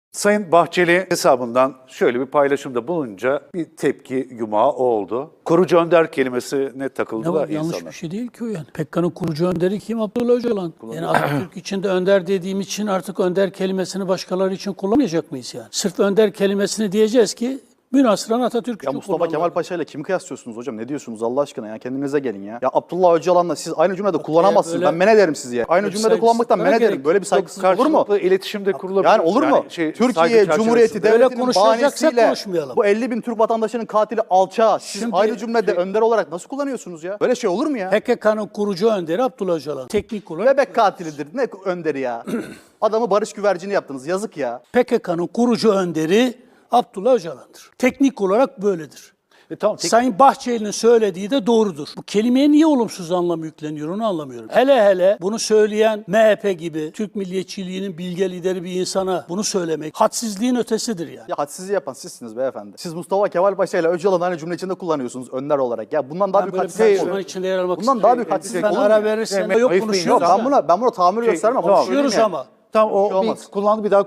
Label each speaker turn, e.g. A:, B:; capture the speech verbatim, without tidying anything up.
A: Sayın Bahçeli hesabından şöyle bir paylaşımda bulununca bir tepki yumağı oldu. Kurucu önder kelimesine takıldı
B: Ne
A: da
B: var? Yanlış
A: insanlar.
B: bir şey değil ki o yani. P K K'nın kurucu önderi kim? Abdullah Öcalan. Yani Atatürk için de önder dediğim için artık önder kelimesini başkaları için kullanmayacak mıyız yani? Sırf önder kelimesini diyeceğiz ki münasıran Atatürk
C: Ya
B: için
C: Mustafa
B: kullanılan.
C: Kemal Paşa ile kimi kıyaslıyorsunuz hocam? Ne diyorsunuz Allah aşkına ya? Kendinize gelin ya. Ya Abdullah Öcalan'la siz aynı cümlede kullanamazsınız.
B: böyle-
C: Ben men ederim sizi ya. Aynı
B: Yok,
C: cümlede kullanmaktan men
B: saygısızlığa
C: ederim. Böyle bir saygısızlık olur mu?
A: Karşılıklı iletişimde kurulabilir.
C: Yani olur mu?
A: şey,
C: Türkiye
A: saygı
C: Cumhuriyeti
A: çerçevesinde.
B: Böyle
C: Devleti'nin
B: konuşacaksak
C: bahanesiyle
B: konuşmayalım.
C: bu elli bin Türk vatandaşının katili alçağı siz
B: Şimdi-
C: aynı cümlede önder olarak nasıl kullanıyorsunuz ya? Böyle şey olur mu ya?
B: P K K'nın kurucu önderi Abdullah Öcalan. Teknik olarak
C: Bebek katilidir. Ne önderi ya? Adamı barış güvercini yaptınız. Yazık ya.
B: P K K'nın kurucu önderi Abdullah Öcalan'dır. Teknik olarak böyledir.
A: E, tamam, tek-
B: Sayın Bahçeli'nin söylediği de doğrudur. Bu kelimeye niye olumsuz anlam yükleniyor onu anlamıyorum. Hele hele bunu söyleyen M H P gibi Türk milliyetçiliğinin bilge lideri bir insana bunu söylemek hadsizliğin ötesidir yani.
C: Ya hadsizliği yapan sizsiniz beyefendi. Siz Mustafa Kemal Paşa ile Öcalan'ı aynı cümle içinde kullanıyorsunuz önder olarak. Ya bundan daha
B: Ben
C: büyük
B: böyle bir
C: hadsizlik
B: tartışmanın
C: olur.
B: içinde yer almak
C: Bundan daha büyük
B: istemiyorum.
C: hadsizlik
B: Ben
C: olur mu
B: ara
C: ya?
B: verirsen
A: Yani
B: yok
A: ayıp değil,
B: konuşuyoruz.
C: Yok
B: ya.
C: ben buna ben buna tahammül
A: Şey,
C: göstermem.
A: tamam.
C: Ama söyleyeyim
B: Konuşuyoruz
C: ya.
B: ama.
A: Tamam
C: Bir şey
A: o bir
C: olmaz.
A: kullandı bir daha